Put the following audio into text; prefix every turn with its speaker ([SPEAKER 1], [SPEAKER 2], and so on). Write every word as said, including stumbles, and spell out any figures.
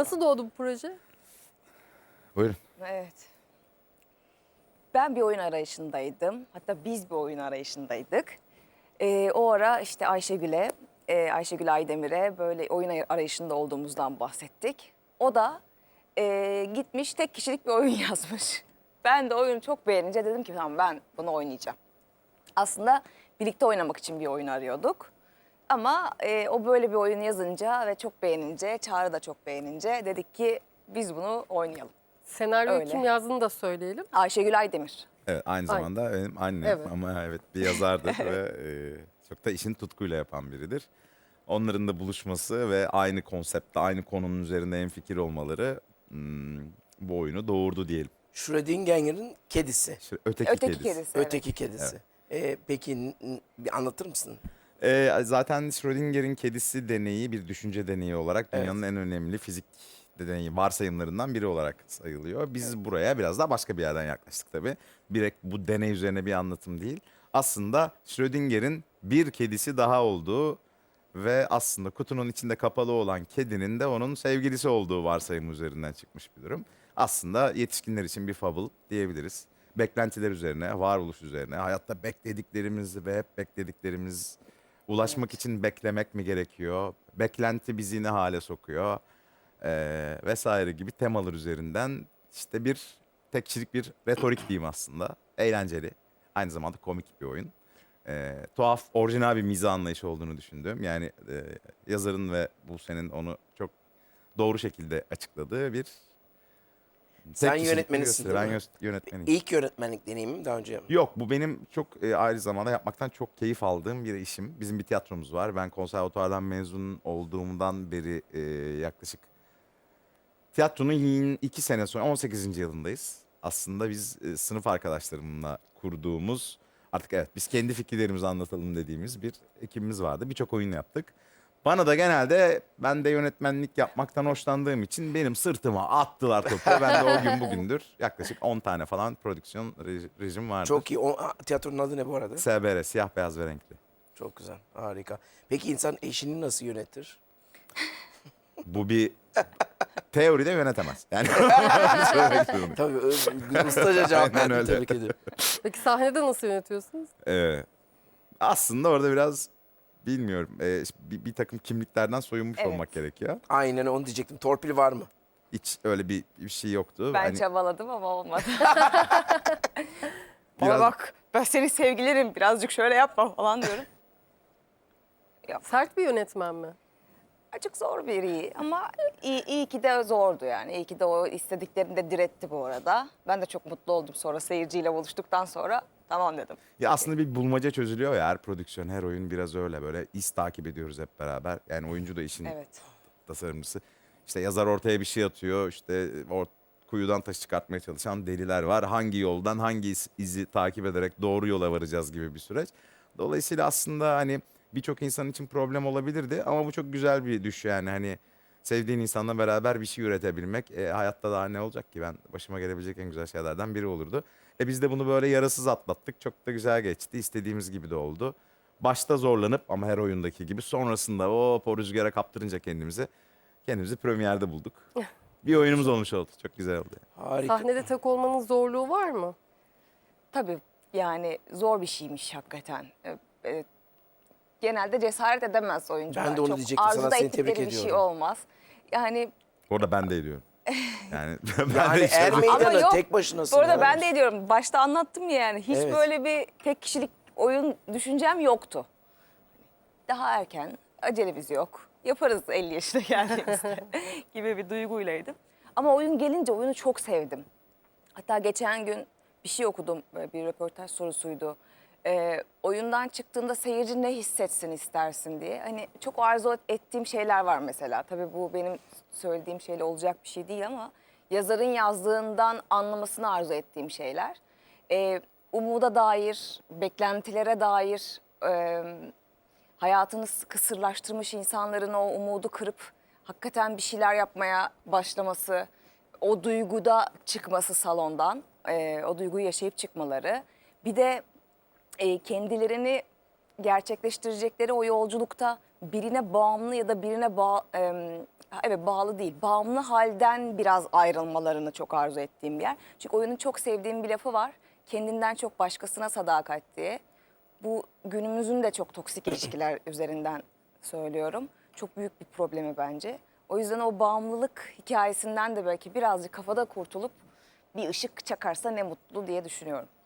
[SPEAKER 1] Nasıl doğdu bu proje?
[SPEAKER 2] Buyurun.
[SPEAKER 3] Evet. Ben bir oyun arayışındaydım. Hatta biz bir oyun arayışındaydık. Ee, o ara işte Ayşegül'e, e, Ayşegül Aydemir'e böyle oyun arayışında olduğumuzdan bahsettik. O da e, gitmiş tek kişilik bir oyun yazmış. Ben de oyunu çok beğenince dedim ki tamam ben bunu oynayacağım. Aslında birlikte oynamak için bir oyun arıyorduk. Ama e, o böyle bir oyun yazınca ve çok beğenince, Çağrı da çok beğenince dedik ki biz bunu oynayalım.
[SPEAKER 1] Senaryoyu
[SPEAKER 3] Öyle.
[SPEAKER 1] kim yazdığını da söyleyelim.
[SPEAKER 3] Ayşegül Aydemir.
[SPEAKER 2] Evet, aynı
[SPEAKER 1] Aynen.
[SPEAKER 2] zamanda benim annem
[SPEAKER 1] Evet.
[SPEAKER 2] ama evet bir yazardır ve e, çok da işini tutkuyla yapan biridir. Onların da buluşması ve aynı konseptte, aynı konunun üzerinde hemfikir olmaları hmm, bu oyunu doğurdu diyelim.
[SPEAKER 4] Schrödinger'in kedisi.
[SPEAKER 2] İşte öteki,
[SPEAKER 3] Öteki
[SPEAKER 2] kedisi.
[SPEAKER 3] kedisi. evet.
[SPEAKER 4] Öteki kedisi. Ee, peki n- n- bir anlatır mısın?
[SPEAKER 2] E, zaten Schrödinger'in kedisi deneyi bir düşünce deneyi olarak
[SPEAKER 4] Evet.
[SPEAKER 2] dünyanın en önemli fizik deneyi, varsayımlarından biri olarak sayılıyor. Biz buraya biraz daha başka bir yerden yaklaştık tabii. Direkt bu deney üzerine bir anlatım değil. Aslında Schrödinger'in bir kedisi daha olduğu ve aslında kutunun içinde kapalı olan kedinin de onun sevgilisi olduğu varsayım üzerinden çıkmış bir durum. Aslında yetişkinler için bir fable diyebiliriz. Beklentiler üzerine, varoluş üzerine, hayatta beklediklerimiz ve hep beklediklerimiz ulaşmak için beklemek mi gerekiyor? Beklenti bizi ne hale sokuyor? Ee, vesaire gibi temalar üzerinden işte bir tek kişilik bir retorik diyeyim aslında. Eğlenceli. Aynı zamanda komik bir oyun. Ee, tuhaf, orijinal bir mizah anlayışı olduğunu düşündüm. Yani e, yazarın ve Buse'nin onu çok doğru şekilde açıkladığı bir tek
[SPEAKER 4] Sen
[SPEAKER 2] kişilik bir
[SPEAKER 4] yönetmenisin
[SPEAKER 2] gösteri.
[SPEAKER 4] değil
[SPEAKER 2] Ben
[SPEAKER 4] mi?
[SPEAKER 2] yö- yönetmeniyim.
[SPEAKER 4] İlk yönetmenlik deneyimim daha önce.
[SPEAKER 2] Yok, bu benim çok e, aynı zamanda yapmaktan çok keyif aldığım bir işim. Bizim bir tiyatromuz var. Ben konservatuvardan mezun olduğumdan beri e, yaklaşık tiyatronun yin- iki sene sonra on sekizinci yılındayız. Aslında biz e, sınıf arkadaşlarımla kurduğumuz, artık evet biz kendi fikirlerimizi anlatalım dediğimiz bir ekibimiz vardı. Birçok oyun yaptık. Bana da genelde ben de yönetmenlik yapmaktan hoşlandığım için benim sırtıma attılar topu. Ben de o gün bugündür yaklaşık on tane falan prodüksiyon rej- rejim vardır.
[SPEAKER 4] Çok iyi. O, a, tiyatronun adı ne bu arada?
[SPEAKER 2] S B R, siyah beyaz ve renkli.
[SPEAKER 4] Çok güzel. Harika. Peki insan eşini nasıl yönetir?
[SPEAKER 2] Bu bir teoride yönetemez. Yani söylemek zorundayım.
[SPEAKER 4] Tabii ö- ustaca cevap
[SPEAKER 2] Aynen
[SPEAKER 4] verdin.
[SPEAKER 2] öyle.
[SPEAKER 4] Tebrik ederim.
[SPEAKER 1] Peki sahnede nasıl yönetiyorsunuz?
[SPEAKER 2] Ee, aslında orada biraz bilmiyorum e, bir, bir takım kimliklerden soyunmuş
[SPEAKER 3] Evet.
[SPEAKER 2] olmak gerekiyor.
[SPEAKER 4] Aynen onu diyecektim. Torpil var mı?
[SPEAKER 2] Hiç öyle bir, bir şey yoktu.
[SPEAKER 3] Ben
[SPEAKER 2] Hani
[SPEAKER 3] çabaladım ama olmadı. Bana
[SPEAKER 2] Biraz-
[SPEAKER 3] bak ben senin sevgilirim birazcık şöyle yapma falan diyorum.
[SPEAKER 1] Sert bir yönetmen mi?
[SPEAKER 3] Açık zor biri ama iyi, iyi ki de zordu yani. İyi ki de o istediklerini de diretti bu arada. Ben de çok mutlu oldum sonra seyirciyle buluştuktan sonra tamam dedim.
[SPEAKER 2] ya aslında bir bulmaca çözülüyor ya her prodüksiyon, her oyun biraz öyle böyle iz takip ediyoruz hep beraber. Yani oyuncu da işin
[SPEAKER 3] Evet.
[SPEAKER 2] tasarımcısı. İşte yazar ortaya bir şey atıyor. İşte o kuyudan taş çıkartmaya çalışan deliler var. Hangi yoldan hangi iz- izi takip ederek doğru yola varacağız gibi bir süreç. Dolayısıyla aslında hani birçok insan için problem olabilirdi ama bu çok güzel bir düş yani hani sevdiğin insanla beraber bir şey üretebilmek e, hayatta daha ne olacak ki, ben başıma gelebilecek en güzel şeylerden biri olurdu. E biz de bunu böyle yarasız atlattık. Çok da güzel geçti. İstediğimiz gibi de oldu. Başta zorlanıp ama her oyundaki gibi sonrasında hop o rüzgara kaptırınca kendimizi kendimizi premierde bulduk. Bir oyunumuz olmuş oldu. Çok güzel oldu.
[SPEAKER 4] Harika.
[SPEAKER 1] Sahnede tek olmanın zorluğu var mı?
[SPEAKER 3] Tabii yani zor bir şeymiş hakikaten. Ee, e, genelde cesaret edemez oyuncular.
[SPEAKER 4] Ben de onu
[SPEAKER 3] Çok
[SPEAKER 4] diyecektim sana,
[SPEAKER 3] arzuda
[SPEAKER 4] seni tebrik
[SPEAKER 3] ettikleri bir şey
[SPEAKER 4] ediyorum.
[SPEAKER 3] olmaz. Yani
[SPEAKER 2] Bu arada ben de ediyorum. Yani ben
[SPEAKER 4] Yani
[SPEAKER 2] de işte-
[SPEAKER 4] er
[SPEAKER 3] Ama
[SPEAKER 4] meydana
[SPEAKER 3] yok,
[SPEAKER 4] tek başınasın.
[SPEAKER 3] bu arada
[SPEAKER 4] ya.
[SPEAKER 3] ben de ediyorum. Başta anlattım ya yani. Hiç
[SPEAKER 4] Evet.
[SPEAKER 3] böyle bir tek kişilik oyun düşüncem yoktu. Daha erken, acelemiz yok. Yaparız elli yaşına geldiğimizde gibi bir duyguylaydım. Ama oyun gelince oyunu çok sevdim. Hatta geçen gün bir şey okudum, böyle bir röportaj sorusuydu. Ee, oyundan çıktığında seyirci ne hissetsin istersin diye. Hani çok arzu ettiğim şeyler var mesela. Tabii bu benim söylediğim şeyle olacak bir şey değil ama yazarın yazdığından anlamasını arzu ettiğim şeyler. Ee, umuda dair, beklentilere dair, e, hayatını kısırlaştırmış insanların o umudu kırıp hakikaten bir şeyler yapmaya başlaması, o duyguda çıkması salondan, e, o duyguyu yaşayıp çıkmaları. Bir de e, kendilerini gerçekleştirecekleri o yolculukta birine bağımlı ya da birine bağ, e, Ha, evet, bağlı değil. Bağımlı halden biraz ayrılmalarını çok arzu ettiğim bir yer. Çünkü oyunun çok sevdiğim bir lafı var. Kendinden çok başkasına sadakat diye. Bu günümüzün de çok toksik ilişkiler üzerinden söylüyorum. Çok büyük bir problemi bence. O yüzden o bağımlılık hikayesinden de belki birazcık kafada kurtulup bir ışık çakarsa ne mutlu diye düşünüyorum.